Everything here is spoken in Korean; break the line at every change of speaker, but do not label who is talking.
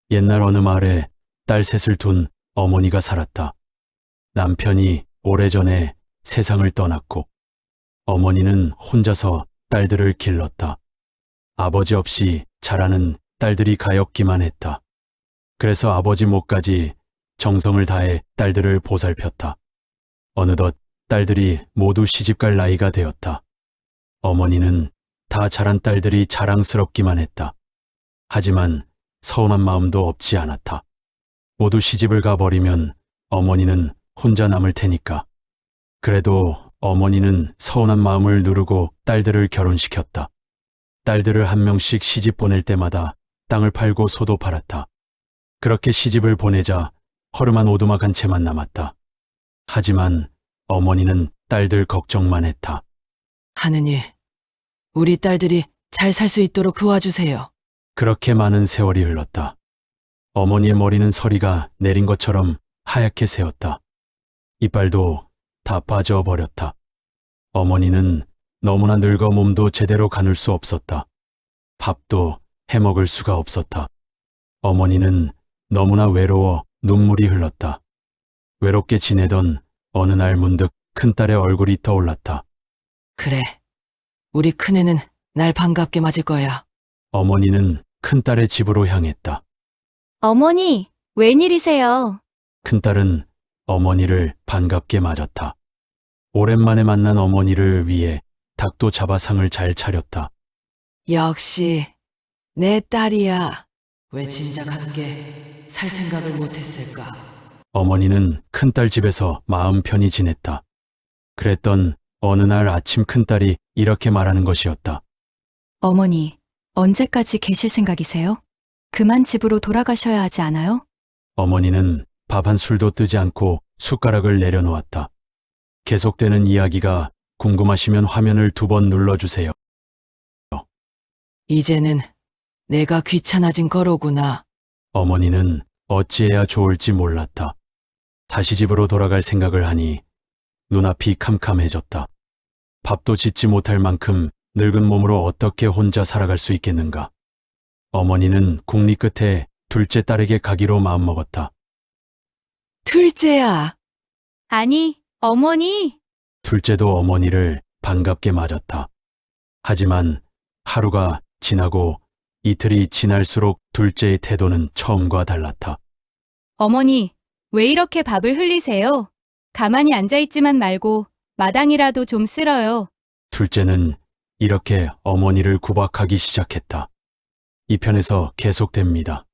옛날 어느 마을에 딸 셋을 둔 어머니가 살았다. 남편이 오래전에 세상을 떠났고 어머니는 혼자서 딸들을 길렀다. 아버지 없이 자라는 딸들이 가엾기만 했다. 그래서 아버지 몫까지 정성을 다해 딸들을 보살폈다. 어느덧 딸들이 모두 시집갈 나이가 되었다. 어머니는 다 자란 딸들이 자랑스럽기만 했다. 하지만 서운한 마음도 없지 않았다. 모두 시집을 가버리면 어머니는 혼자 남을 테니까. 그래도 어머니는 서운한 마음을 누르고 딸들을 결혼시켰다. 딸들을 한 명씩 시집 보낼 때마다 땅을 팔고 소도 팔았다. 그렇게 시집을 보내자 허름한 오두막 한 채만 남았다. 하지만 어머니는 딸들 걱정만 했다.
하느니, 우리 딸들이 잘 살 수 있도록 도와주세요.
그렇게 많은 세월이 흘렀다. 어머니의 머리는 서리가 내린 것처럼 하얗게 새었다. 이빨도 다 빠져버렸다. 어머니는 너무나 늙어 몸도 제대로 가눌 수 없었다. 밥도 해먹을 수가 없었다. 어머니는 너무나 외로워 눈물이 흘렀다. 외롭게 지내던 어느 날 문득 큰딸의 얼굴이 떠올랐다.
그래, 우리 큰애는 날 반갑게 맞을 거야.
어머니는 큰딸의 집으로 향했다.
어머니, 웬일이세요?
큰딸은 어머니를 반갑게 맞았다. 오랜만에 만난 어머니를 위해 닭도 잡아 상을 잘 차렸다.
역시 내 딸이야. 왜 진작 함께 살 생각을 못했을까?
어머니는 큰딸 집에서 마음 편히 지냈다. 그랬던 어느 날 아침 큰딸이 이렇게 말하는 것이었다.
어머니, 언제까지 계실 생각이세요? 그만 집으로 돌아가셔야 하지 않아요?
어머니는 밥 한 술도 뜨지 않고 숟가락을 내려놓았다. 계속되는 이야기가 궁금하시면 화면을 2번 눌러주세요.
이제는 내가 귀찮아진 거로구나.
어머니는 어찌해야 좋을지 몰랐다. 다시 집으로 돌아갈 생각을 하니 눈앞이 캄캄해졌다. 밥도 짓지 못할 만큼 늙은 몸으로 어떻게 혼자 살아갈 수 있겠는가. 어머니는 국리 끝에 둘째 딸에게 가기로 마음먹었다.
둘째야.
아니, 어머니.
둘째도 어머니를 반갑게 맞았다. 하지만 하루가 지나고 이틀이 지날수록 둘째의 태도는 처음과 달랐다.
어머니, 왜 이렇게 밥을 흘리세요? 가만히 앉아있지만 말고 마당이라도 좀 쓸어요.
둘째는 이렇게 어머니를 구박하기 시작했다. 이 편에서 계속됩니다.